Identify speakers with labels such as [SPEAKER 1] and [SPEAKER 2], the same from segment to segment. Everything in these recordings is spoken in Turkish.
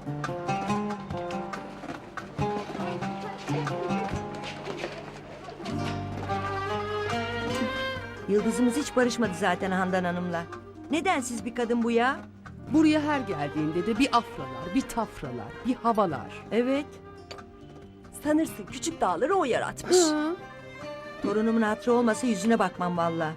[SPEAKER 1] Yıldızımız hiç barışmadı zaten Handan Hanım'la. Nedensiz bir kadın bu ya?
[SPEAKER 2] Buraya her geldiğinde de bir afralar, bir tafralar, bir havalar.
[SPEAKER 1] Evet.
[SPEAKER 3] Sanırsın küçük dağları o yaratmış.
[SPEAKER 2] Hı.
[SPEAKER 1] Torunumun hatırı olmasa yüzüne bakmam vallahi.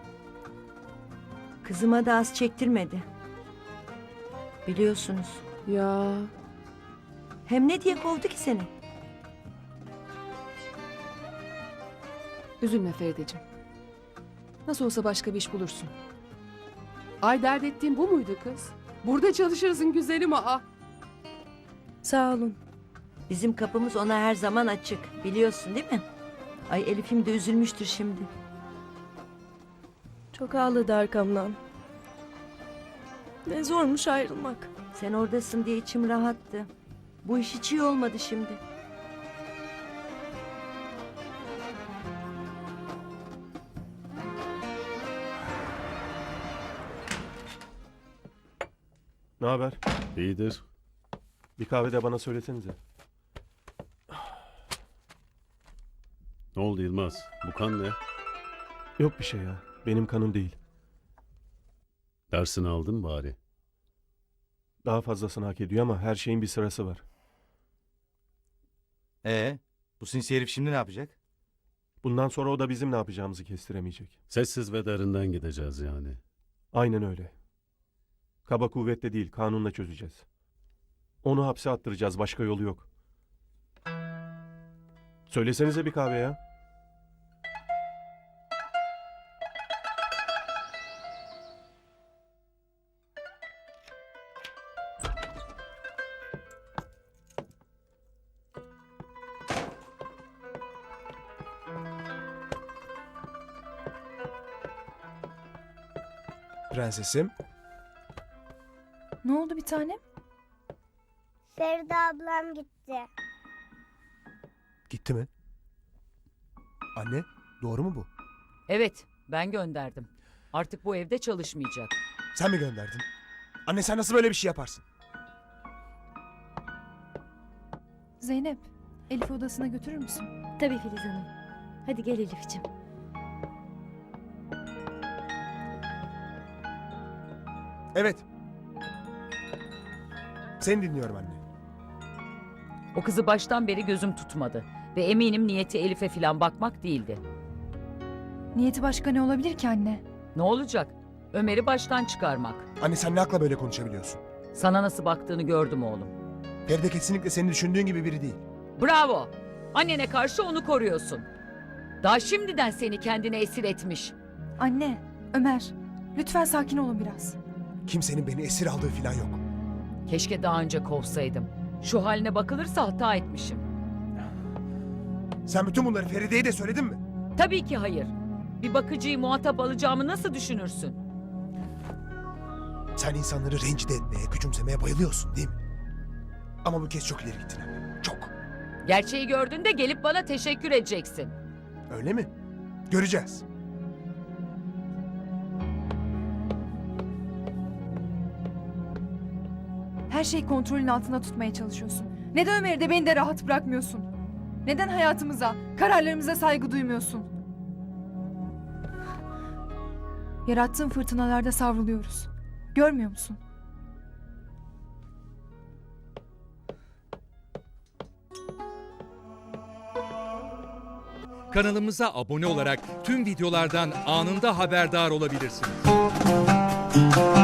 [SPEAKER 1] Kızıma da az çektirmedi. Biliyorsunuz.
[SPEAKER 2] Ya
[SPEAKER 1] Hem ne diye kovdu ki seni?
[SPEAKER 2] üzülme Ferideciğim. Nasıl olsa başka bir iş bulursun. Ay dert ettiğin bu muydu kız? Burada çalışırsın güzelim aa.
[SPEAKER 3] Sağ olun.
[SPEAKER 1] Bizim kapımız ona her zaman açık. Biliyorsun değil mi? Ay Elif'im de üzülmüştür şimdi.
[SPEAKER 3] Çok ağladı arkamdan. Ne zormuş ayrılmak.
[SPEAKER 1] Sen oradasın diye içim rahattı. Bu iş hiç iyi olmadı şimdi.
[SPEAKER 4] Ne haber?
[SPEAKER 5] İyidir.
[SPEAKER 4] Bir kahve de bana söylesenize.
[SPEAKER 5] Ne oldu Yılmaz? Bu kan ne?
[SPEAKER 4] Yok bir şey ya. Benim kanım değil.
[SPEAKER 5] Dersini aldın bari.
[SPEAKER 4] Daha fazlasını hak ediyor ama her şeyin bir sırası var.
[SPEAKER 6] Bu sinsi herif şimdi ne yapacak?
[SPEAKER 4] Bundan sonra o da bizim ne yapacağımızı kestiremeyecek.
[SPEAKER 5] Sessiz ve derinden gideceğiz yani.
[SPEAKER 4] Aynen öyle. Kaba kuvvetle değil, kanunla çözeceğiz. Onu hapse attıracağız, başka yolu yok. Söylesenize bir kahve ya.
[SPEAKER 7] Prensesim.
[SPEAKER 8] Ne oldu bir tanem?
[SPEAKER 9] Feride ablam gitti.
[SPEAKER 7] Gitti mi? Anne, doğru mu bu?
[SPEAKER 10] Evet, ben gönderdim. Artık bu evde çalışmayacak.
[SPEAKER 7] Sen mi gönderdin? Anne sen nasıl böyle bir şey yaparsın?
[SPEAKER 8] Zeynep, Elif'i odasına götürür müsün?
[SPEAKER 3] Tabii Filiz Hanım. Hadi gel Elif'ciğim.
[SPEAKER 7] Evet. Seni dinliyorum anne.
[SPEAKER 10] O kızı baştan beri gözüm tutmadı. Ve eminim niyeti Elif'e falan bakmak değildi.
[SPEAKER 8] Niyeti başka ne olabilir ki anne?
[SPEAKER 10] Ne olacak? Ömer'i baştan çıkarmak.
[SPEAKER 7] Anne sen ne akla böyle konuşabiliyorsun?
[SPEAKER 10] Sana nasıl baktığını gördüm oğlum.
[SPEAKER 7] Feride kesinlikle senin düşündüğün gibi biri değil.
[SPEAKER 10] Bravo! Annene karşı onu koruyorsun. Daha şimdiden seni kendine esir etmiş.
[SPEAKER 8] Anne, Ömer, lütfen sakin olun biraz.
[SPEAKER 7] Kimsenin beni esir aldığı falan yok.
[SPEAKER 10] Keşke daha önce kovsaydım. Şu haline bakılırsa hata etmişim.
[SPEAKER 7] Sen bütün bunları Feride'ye de söyledin mi?
[SPEAKER 10] Tabii ki hayır. Bir bakıcıyı muhatap alacağımı nasıl düşünürsün?
[SPEAKER 7] Sen insanları rencide etmeye, küçümsemeye bayılıyorsun değil mi? Ama bu kez çok ileri gittin anne. Çok.
[SPEAKER 10] Gerçeği gördüğünde gelip bana teşekkür edeceksin.
[SPEAKER 7] Öyle mi? Göreceğiz.
[SPEAKER 8] Her şeyi kontrolün altında tutmaya çalışıyorsun. Neden Ömer'i de beni de rahat bırakmıyorsun? Neden hayatımıza, kararlarımıza saygı duymuyorsun? Yarattığın fırtınalarda savruluyoruz. Görmüyor musun?
[SPEAKER 11] Kanalımıza abone olarak tüm videolardan anında haberdar olabilirsiniz.